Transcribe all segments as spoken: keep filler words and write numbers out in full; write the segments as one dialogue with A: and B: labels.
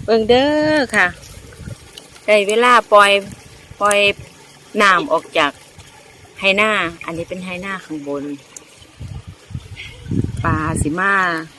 A: บิ่งเด้อค่ะได้เวลาปล่อยปล่อยน้ำออกจากไหหน้าอันนี้เป็นไหหน้าข้างบนปลาสิมา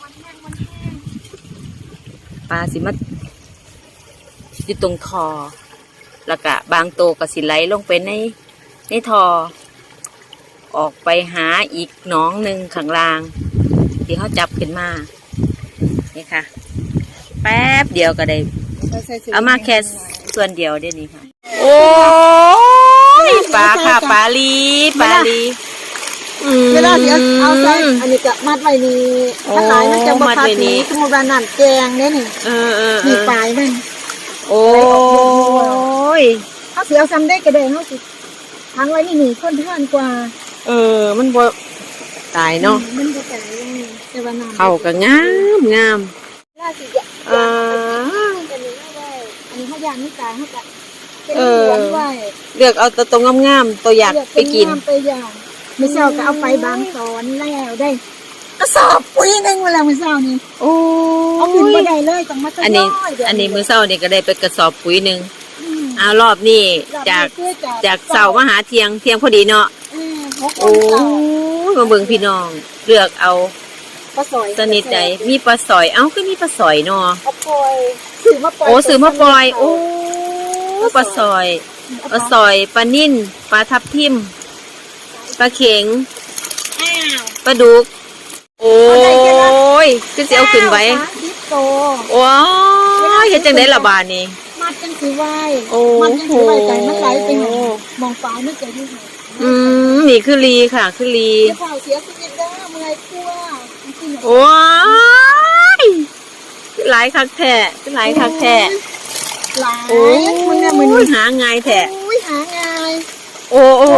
A: ปลาสิมาอยู่ตรงทอแล้วก็บางโตก็สิไหลลงไปในในทอออกไปหาอีกหนองหนึ่งข้างล่างที่เขาจับขึ้นมานี่ค่ะแป๊บเดียวก็ได้เอามาแค่ส่วนเดียวเดี๋ยวนี้ค่ะโอ้ยปลาค่ะปลาลีปลาลี
B: เวลาเดี๋ยวเอาใส่อันนี้จะมัดไว้นี่ถ้าหลายมันจะมาพัดนี้สมมติว่านั่นแกงเนี่ยนี่
A: เออเออ
B: มีปลายมัน
A: โอ้ย
B: เขาเสียเอาซ้ำได้กระเด็นเขาสิทั้งไว้นี่หนีคนเพื่อนกว่า
A: เออมันบ่ตายเนาะ
B: มันบ่ตายแต่ว่าน้ำ
A: เขาก็งามงาม
B: ล่าสิจะ
A: อ่า
B: อันนี้ไม่ได้อันนี้เขายางไม่ตายเขาจะเป็นหวนไว้
A: เลือกเอาตัวตรงงามๆตัวอยากไปกิน
B: ไปอย่างไม่เช้าก็เอาไปบางตอนแล้วได้กระสอบปุ๋ยนึงเวลาไม่เช้านี่
A: โอ้
B: เอาขึ้นไปได้เลยต้องมาตั้ง
A: อันนี้อันนี้มื้อเช้านี่ก็ได้ไปกระสอบปุ๋ยนึงเอารอบนี้จากจากเช้ามาหาเที่ยงเที่ยงพอดีเนาะโอ้มาเบิ่งพี่น้องเลือกเอา
B: ปลาสอย
A: สนิทใจมีปลาสอยเอ้าก็มีปลาสอยเนาะ
B: ปล่อยซื้อมาปล่อย
A: โอ้ซื้อมาปล่อยโอ้ปลาสอยปลาสอยปลานิ่นปลาทับทิมปลาเข็งปลาดุกโอ้ยคือสิเอาขึ้นไว้โอ้ยเฮ็ดจังได๋ล่ะบาดนี้
B: มัดจังสิไว้มัดจังสิไว้ใจมันไหลไปหมองฟ้าไม่เจอที่ไหน
A: อืมนี่คือลีค่ะคือลี
B: เสียเผาเสียชีวิตเด้อเมื่อยคั่ว
A: โอ้ยหลายคักแท้หลายคักแท้
B: หลายโอ้ยมึงเนี่ยมึง
A: หาง่ายแท้
B: โอ้ยหาง่าย
A: โอ้โห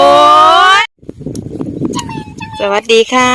A: สวัสดีค่ะ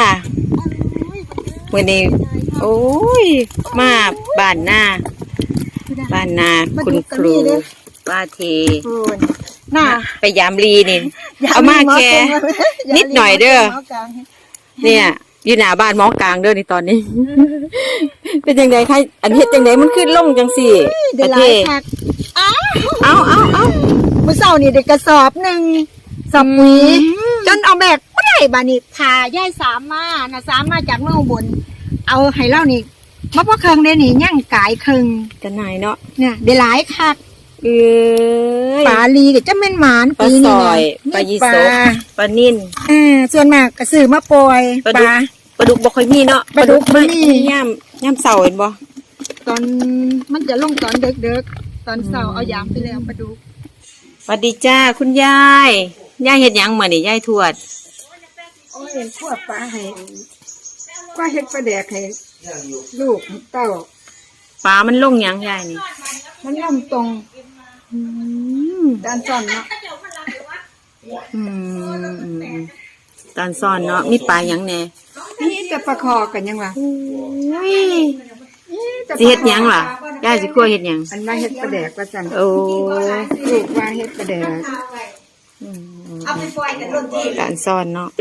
A: วันนี้โอ้ยมาบ้านหน้าบ้านนาคุณครูป้าเท
B: น่า
A: ไปยามลีนี่เอามาแค่นิดหน่อยเด้อเนี่ยอยู่หน้าบ้านหมอกลางเด้อในตอนนี้เป็นยังไงคะอันเฮ็ดจังไดมันขึ้นลงจังสี่ประเทศเอาเอาเอา
B: เมื่อเช้านี่ได้กระสอบหนึ่งสอบปุ๋ยจนเอาแบกไม่ได้บานี่พาย่ายสามมาน่ะสามมาจากเมืองบนเอาให้เล่านี่มะพร้าวเคืองได้นี่ย่างกายเคือง
A: กันไหนเนาะ
B: เนี่ยได้หลายคัก
A: เออ
B: ปลาลีกับจะแม่นหมาน
A: ปลาสอยปลายีสกปลานิ่น
B: เออส่วนมากกระสือมาปล่อย
A: ปลาปลาดุกบ่ค่อยมีเนาะ
B: ปลาดุกไม่มี
A: ย่ำย่ำเสาเห็นบ่
B: ตอนมันจะลงตอนเด็กๆตอนเสาเอายามไปแล้วปลาดุก
A: สวัสดีจ้าคุณยายยายเฮ็ดหยังมื้อนี่ยายทวด
B: โอ้ยทวดปลาให้ก็เฮ็ดปลาแดกให้ลูกเต้า
A: ปลามันลงหยังยายนี่
B: มันล่มตรงด้านซ่อนเนาะ
A: อืมด้านซ่อนเนาะมีปลาหยังแน่
B: นี่จะปลาคอกันยังวะ
A: สิเฮ็ดหยังล่ะยายสิคั่วเฮ็ดหยัง
B: อันว่าเฮ็ดปลาแดกว่าซั่น
A: โอ้
B: ลูกว่าเฮ็ดปลาแดก
A: เอาไปปล่อยกันโดนที่ด้านซ่อนเนาะ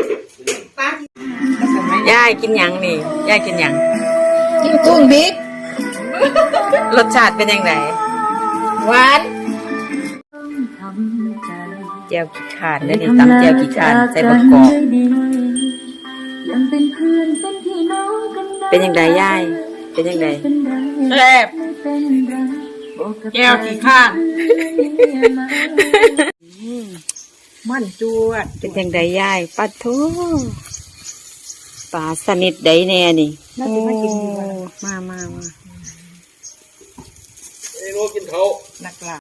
A: ยายกินหยังนี่ยายกินหยัง
B: กินกุ้งบิ๊ก
A: รสชาติเป็นยังไง
B: หวาน
A: เจียวกี่ขาดเลยนี่ตำเจียวกี่ขาดใส่ประกอบเป็นยังไงยายเป็นยังไง
B: แซ่บเจียวกี่ขาดมันจวด
A: เป็นยังไงยายปัดทูปลาสนิทใดแน่นี่โอ้มามามา
C: ไอ้โลกินเขา
A: นักล่ะ